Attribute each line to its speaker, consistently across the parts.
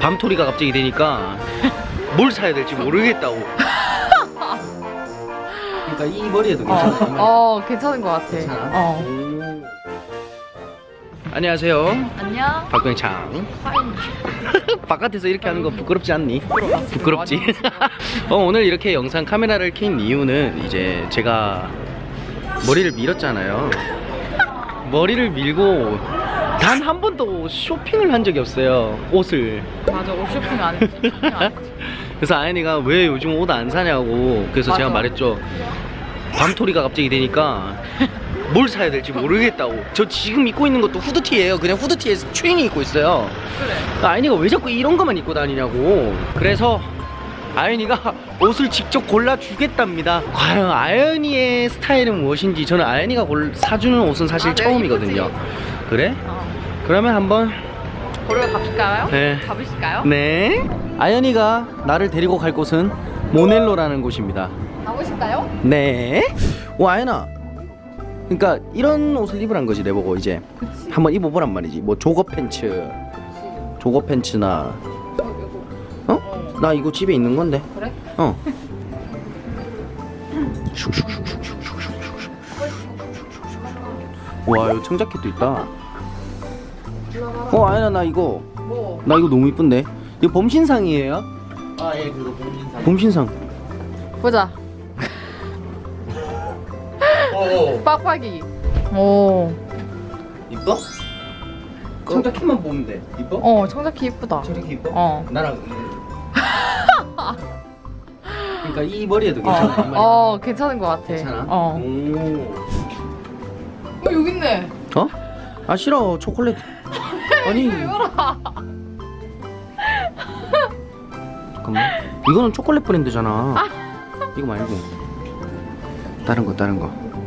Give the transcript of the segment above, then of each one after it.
Speaker 1: 밤토리가 갑자기 되니까 뭘 사야 될지 모르겠다고. 그러니까 이 머리에도 괜찮아.
Speaker 2: 괜찮은 것 같아.
Speaker 1: 괜찮아? 안녕하세요.
Speaker 2: 안녕.
Speaker 1: 박병창.
Speaker 2: 하이.
Speaker 1: 바깥에서 이렇게 하는 거 부끄럽지 않니? 부끄럽지? 오늘 이렇게 영상 카메라를 켠 이유는 이제 제가 머리를 밀었잖아요. 머리를 밀고 단 한 번도 쇼핑을 한 적이 없어요. 옷을.
Speaker 2: 맞아, 옷 쇼핑 안 했지.
Speaker 1: 그래서 아연이가 왜 요즘 옷 안 사냐고. 그래서
Speaker 2: 맞아.
Speaker 1: 제가 말했죠. 밤토리가 갑자기 되니까 뭘 사야 될지 모르겠다고. 저 지금 입고 있는 것도 후드티예요. 그냥 후드티에 트레이닝 입고 있어요.
Speaker 2: 그래.
Speaker 1: 아연이가 왜 자꾸 이런 것만 입고 다니냐고. 그래서 아연이가 옷을 직접 골라주겠답니다. 과연 아연이의 스타일은 무엇인지 저는 아연이가 사주는 옷은 사실 처음이거든요.
Speaker 2: 이쁘지?
Speaker 1: 그래? 그러면 한번
Speaker 2: 보러 가실까요?
Speaker 1: 네.
Speaker 2: 가보실까요?
Speaker 1: 네. 아연이가 나를 데리고 갈 곳은 모넬로라는 곳입니다.
Speaker 2: 가보실까요?
Speaker 1: 네. 오, 아연아. 그러니까 이런 옷을 입으란 거지 내보고 이제.
Speaker 2: 그치.
Speaker 1: 한번 입어보란 말이지. 뭐 조거 팬츠, 조거 팬츠나. 어? 나 이거 집에 있는 건데.
Speaker 2: 그래?
Speaker 1: 어. 와, 이거 청자켓도 있다. 아연아, 나 이거
Speaker 2: 뭐?
Speaker 1: 너무 이쁜데. 이거 봄신상이에요?
Speaker 3: 아, 예, 그거 봄신상.
Speaker 1: 봄신상.
Speaker 2: 보자. 빡빡이. 오.
Speaker 1: 이뻐? 청자켓만 보면 돼. 이뻐?
Speaker 2: 청자켓 이쁘다.
Speaker 1: 청자켓 이뻐? 나랑 그러니까 이 머리에도 괜찮아.
Speaker 2: 괜찮은 것 같아.
Speaker 1: 괜찮아?
Speaker 2: 오, 여기 있네.
Speaker 1: 어? 아 싫어. 초콜릿. 아니.
Speaker 2: 이거라.
Speaker 1: 잠깐만. 이거는 초콜릿 브랜드잖아. 이거 말고. 다른 거.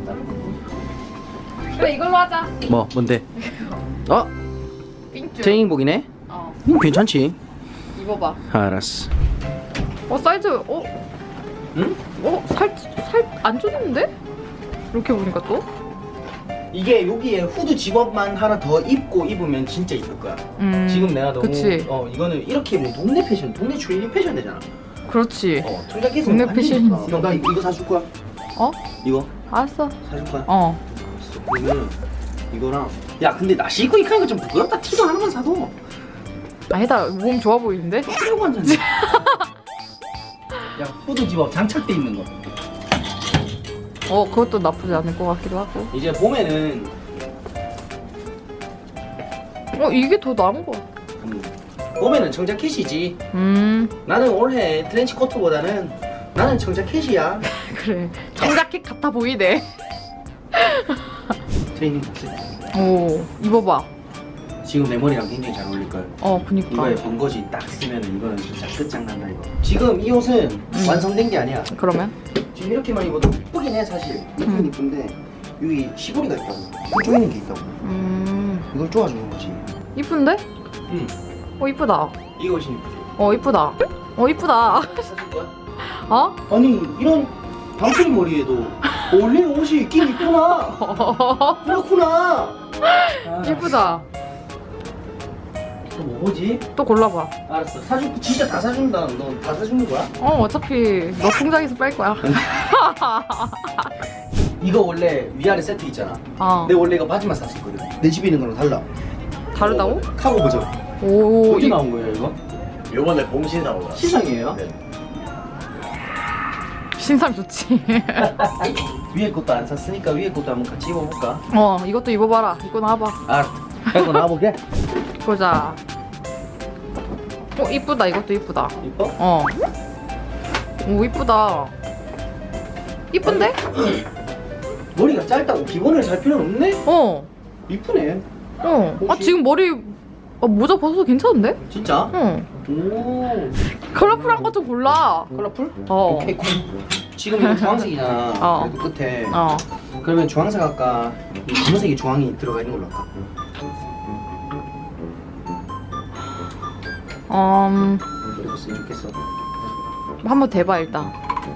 Speaker 2: 그래, 이걸로 하자.
Speaker 1: 뭐 뭔데? 어?
Speaker 2: 삥쭈.
Speaker 1: 트레이닝복이네? 괜찮지?
Speaker 2: 입어봐.
Speaker 1: 알았어.
Speaker 2: 사이즈,
Speaker 1: 응?
Speaker 2: 살 안 줬는데? 이렇게 보니까 또?
Speaker 1: 이게 여기에 후드 집업만 하나 더 입으면 진짜 이쁠 거야. 지금 내가 너무
Speaker 2: 그치.
Speaker 1: 이거는 이렇게 뭐 동네 패션, 동네 트레이닝 패션 되잖아.
Speaker 2: 그렇지.
Speaker 1: 청자켓은
Speaker 2: 동네
Speaker 1: 완전
Speaker 2: 패션이지.
Speaker 1: 좋다. 형, 나 이거 사줄 거야.
Speaker 2: 어?
Speaker 1: 이거
Speaker 2: 알았어.
Speaker 1: 사줄 거야. 그러면 이거랑 야 근데 나 신고 입고 하는 거 좀 부끄럽다. 티도 하나만 사도.
Speaker 2: 아니다, 몸 좋아 보이는데?
Speaker 1: 그래고 완전. 야 후드 집업 장착돼 있는 거.
Speaker 2: 그것도 나쁘지 않을 것 같기도 하고.
Speaker 1: 이제 봄에는
Speaker 2: 이게 더 나은 거 같아.
Speaker 1: 봄에는 청자켓이지. 나는 올해 트렌치 코트보다는 나는 청자켓이야.
Speaker 2: 그래. 청자켓 같아 보이네.
Speaker 1: 트레이닝 코트.
Speaker 2: 입어봐.
Speaker 1: 지금 내 머리랑 굉장히 잘 어울릴 걸.
Speaker 2: 그니까.
Speaker 1: 이거에 번거지 딱 쓰면은 이거는 진짜 끝장난다 이거. 지금 이 옷은 완성된 게 아니야.
Speaker 2: 그러면?
Speaker 1: 지금 이렇게만 입어도 이쁘긴 해 사실. 이쁘긴 이쁜데 여기 시보리가 있다고. 쪼이는 게 있다고. 이걸 쪼아주는 거지.
Speaker 2: 이쁜데?
Speaker 1: 응.
Speaker 2: 이쁘다.
Speaker 1: 이 옷이 이쁘지.
Speaker 2: 이쁘다. 이쁘다.
Speaker 1: 사줄 거야?
Speaker 2: 아니,
Speaker 1: 이런 방풀 머리에도 어울리는 옷이 있긴 있구나. 그렇구나.
Speaker 2: 이쁘다.
Speaker 1: 또 뭐지?
Speaker 2: 또 골라봐.
Speaker 1: 알았어. 진짜 다 사준다. 너 다 사주는 거야?
Speaker 2: 어차피 너 통장에서 뺄 거야.
Speaker 1: 이거 원래 위아래 세트 있잖아. 내 원래 이거 바지만 샀었거든. 내 집에 있는 거랑 달라.
Speaker 2: 다르다고?
Speaker 1: 카고 버전. 어디 나온 거예요 이거?
Speaker 3: 요번에 봄신상으로.
Speaker 1: 시상이에요?
Speaker 3: 네.
Speaker 2: 신상 좋지.
Speaker 1: 위에 것도 안 샀으니까 위에 것도 한번 같이 입어볼까?
Speaker 2: 이것도 입어봐라. 입고 나와봐.
Speaker 1: 이거 나와볼게.
Speaker 2: 보자. 이쁘다. 이것도 이쁘다.
Speaker 1: 이뻐?
Speaker 2: 오, 이쁘다. 이쁜데?
Speaker 1: 머리가 짧다고 기본을 살 필요는 없네? 이쁘네.
Speaker 2: 지금 머리 모자 벗어도 괜찮은데?
Speaker 1: 진짜?
Speaker 2: 오. 컬러풀한 거 좀 골라.
Speaker 1: 컬러풀?
Speaker 2: 어.
Speaker 1: 오케이 쿨. 지금 이거 주황색이잖아. 그래도 끝에. 그러면 주황색 할까? 이 검은색이 주황이 들어가 있는 걸로 할까? 이렇게 쓰면 좋겠어.
Speaker 2: 한번 대봐 일단.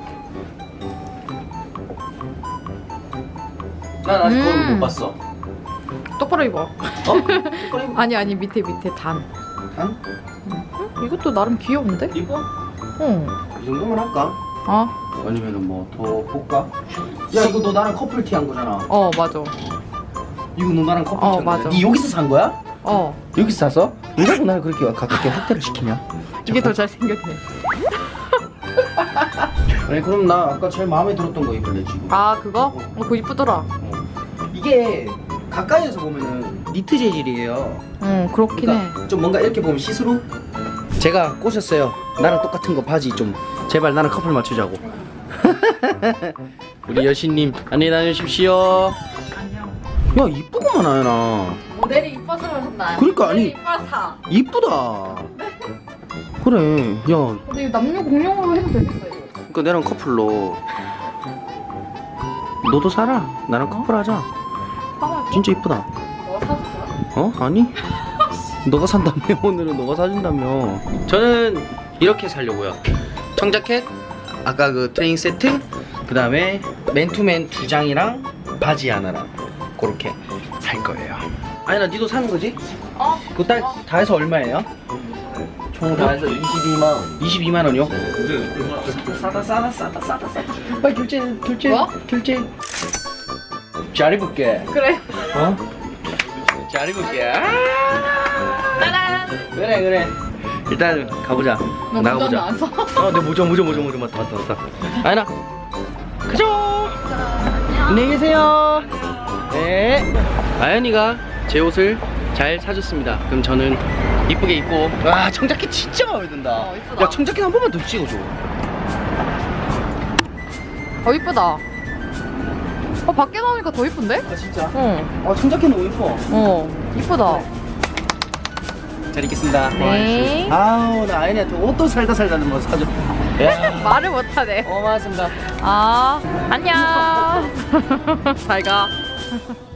Speaker 1: 난 아직 그걸 못 봤어.
Speaker 2: 똑바로 입어.
Speaker 1: 똑바로 입어.
Speaker 2: 아니 밑에 단.
Speaker 1: 단?
Speaker 2: 이것도 나름 귀여운데?
Speaker 1: 이뻐?
Speaker 2: 응.
Speaker 1: 이 정도만 할까?
Speaker 2: 어?
Speaker 1: 아니면은 뭐 더 볼까? 야 이거 너 나랑 커플티 한 거잖아.
Speaker 2: 어, 맞아.
Speaker 1: 이거 너 나랑 커플티
Speaker 2: 어,
Speaker 1: 한 거잖아.
Speaker 2: 맞아.
Speaker 1: 니 여기서 산 거야?
Speaker 2: 어.
Speaker 1: 여기서 샀어? 왜 자꾸 나를 그렇게 가깝게 확대를 시키냐?
Speaker 2: 이게 더 잘생겼네.
Speaker 1: 아니 그럼 나 아까 제일 마음에 들었던 거 입을래 지금.
Speaker 2: 아, 그거? 어, 그거 이쁘더라.
Speaker 1: 이게 가까이에서 보면은 니트 재질이에요.
Speaker 2: 응, 그렇긴 해.
Speaker 1: 그러니까 좀 뭔가 이렇게 보면 시스루? 제가 꼬셨어요. 나랑 똑같은 거 바지 좀 제발 나랑 커플 맞추자고. 우리 여신님 안녕히 다녀오십시오.
Speaker 2: 안녕.
Speaker 1: 야 이쁘구만 아연아.
Speaker 2: 모델이 이뻐서 그런다.
Speaker 1: 그러니까, 아니.
Speaker 2: 모델이 이뻐서.
Speaker 1: 이쁘다. 그래. 야
Speaker 2: 근데 이거 남녀 공용으로 해도 되겠다, 이거.
Speaker 1: 그러니까 내랑 커플로. 너도 살아. 나랑 커플하자.
Speaker 2: 사갈게.
Speaker 1: 진짜 이쁘다.
Speaker 2: 너가 사줄 거야?
Speaker 1: 어? 아니? 너가 산다며. 오늘은 너가 사준다며. 저는 이렇게 살려고요. 청자켓, 아까 그 트레이닝 세트, 그 다음에 맨투맨 2장이랑 바지 하나랑 그렇게 살 거예요. 아니 나 니도 사는 거지?
Speaker 2: 어?
Speaker 1: 그거 다 해서 얼마예요? 총 다 해서
Speaker 3: 22만 원.
Speaker 1: 22만 원이요? 싸다. 빨리 결제.
Speaker 2: 뭐?
Speaker 1: 결제. 잘 입을게.
Speaker 2: 그래.
Speaker 1: 어? 잘 입을게.
Speaker 2: 짜란.
Speaker 1: 그래. 일단 가보자.
Speaker 2: 너
Speaker 1: 나가보자.
Speaker 2: 안 써?
Speaker 1: 내 모자 맞다. 아연아, 가죠. 안녕히 계세요. 네. 아연이가 제 옷을 잘 사줬습니다. 그럼 저는 이쁘게 입고. 와, 청자켓 진짜 마음에 든다.
Speaker 2: 어, 이쁘다.
Speaker 1: 야, 청자켓 한 번만 더 찍어줘.
Speaker 2: 어, 이쁘다. 어, 밖에 나오니까 더 이쁜데?
Speaker 1: 아 진짜?
Speaker 2: 응.
Speaker 1: 아, 청자켓 너무 이뻐.
Speaker 2: 어, 이쁘다.
Speaker 1: 잘 입겠습니다.
Speaker 2: 네.
Speaker 1: 아우, 나 아연이한테 옷도 살다 뭐 사줘. 야.
Speaker 2: 말을 못하네.
Speaker 1: 고맙습니다.
Speaker 2: 아, 안녕. 잘 가.